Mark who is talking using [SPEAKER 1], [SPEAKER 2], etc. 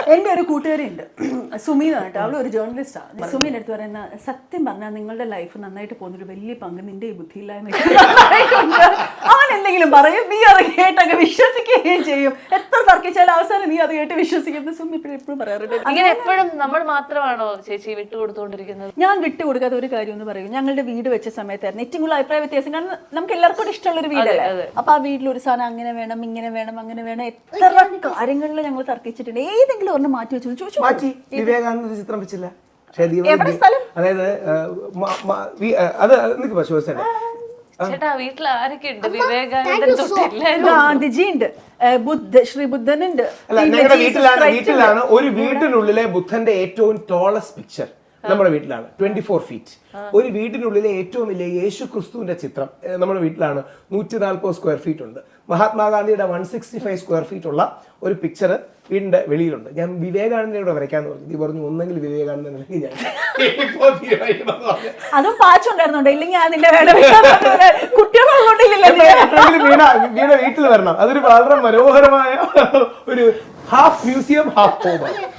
[SPEAKER 1] എൻ്റെ ഒരു കൂട്ടുകാരിയുണ്ട്, സുമി കേട്ടോ. അവൾ ഒരു ജേർണലിസ്റ്റാണ്. സുമീൻ്റെ അടുത്ത് പറയുന്ന, സത്യം പറഞ്ഞാൽ നിങ്ങളുടെ ലൈഫ് നന്നായിട്ട് പോകുന്നൊരു വലിയ പങ്ക് നിന്റെ ഈ ബുദ്ധിയില്ലായ്മ. അവൻ എന്തെങ്കിലും പറയും, നീ അത് കേട്ടൊക്കെ വിശ്വസിക്കുകയും ചെയ്യും. എത്ര തർക്കിച്ചാലും അവസാനം നീ അത് കേട്ട് വിശ്വസിക്കുന്നത് സുമി എപ്പോഴും പറയാറുണ്ട്.
[SPEAKER 2] അങ്ങനെ എപ്പോഴും നമ്മൾ മാത്രമാണോ ചേച്ചി വിട്ടുകൊടുത്തുകൊണ്ടിരിക്കുന്നത്?
[SPEAKER 1] ഞാൻ വിട്ടുകൊടുക്കാത്ത ഒരു കാര്യം എന്ന് പറയും, ഞങ്ങളുടെ വീട് വെച്ച സമയത്തായിരുന്നു ഏറ്റവും കൂടുതൽ അഭിപ്രായ വ്യത്യാസം. കാരണം നമുക്ക് എല്ലാവർക്കും ഇഷ്ടമുള്ളൊരു വീടല്ലേ. അപ്പൊ ആ വീട്ടിൽ ഒരു സാധനം അങ്ങനെ വേണം, ഇങ്ങനെ വേണം, അങ്ങനെ വേണം, എത്ര കാര്യങ്ങളിൽ ഞങ്ങൾ തർക്കിച്ചിട്ടുണ്ട്. ഏതെങ്കിലും ഒരെണ്ണം മാറ്റി വെച്ചു ചോദിച്ചു.
[SPEAKER 3] മാറ്റി വിവേകാനന്ദ ചിത്രം വെച്ചില്ല. അതായത് അത് നിനക്ക് പശുവസല്ലേ
[SPEAKER 2] ചേട്ടാ വീട്ടിൽ ആരൊക്കെ ഉണ്ട്? വിവേകാനന്ദൻ തൊട്ടില്ല,
[SPEAKER 1] ഗാന്ധിജി ഉണ്ട്, ശ്രീ ബുദ്ധനുണ്ട്.
[SPEAKER 3] അല്ല, ഞങ്ങളുടെ വീട്ടിലാണ് ഒരു വീട്ടിനുള്ളിലെ ബുദ്ധന്റെ ഏറ്റവും ടോളസ്റ്റ് പിക്ചർ നമ്മുടെ വീട്ടിലാണ് 24 feet. ഒരു വീടിനുള്ളിലെ ഏറ്റവും വലിയ യേശു ക്രിസ്തുവിന്റെ ചിത്രം നമ്മുടെ വീട്ടിലാണ് 140 square feet ഉണ്ട്. മഹാത്മാഗാന്ധിയുടെ 165 square feet ഉള്ള ഒരു പിക്ചർ വീടിന്റെ വെളിയിലുണ്ട്. ഞാൻ വിവേകാനന്ദനോട് വരയ്ക്കാന്ന് പറഞ്ഞു. നീ പറഞ്ഞു ഒന്നെങ്കിൽ വിവേകാനന്ദൻ അല്ലെങ്കിൽ ഞാൻ.
[SPEAKER 1] അതും പാച്ചുണ്ടായിരുന്നുണ്ട്, ഇല്ലെങ്കിൽ അതിന്റെ കുട്ടികളെ
[SPEAKER 3] വീണ വീട്ടിൽ വരണം. അതൊരു വളരെ മനോഹരമായ ഒരു ഹാഫ് മ്യൂസിയം ഹാഫ് ഹോം.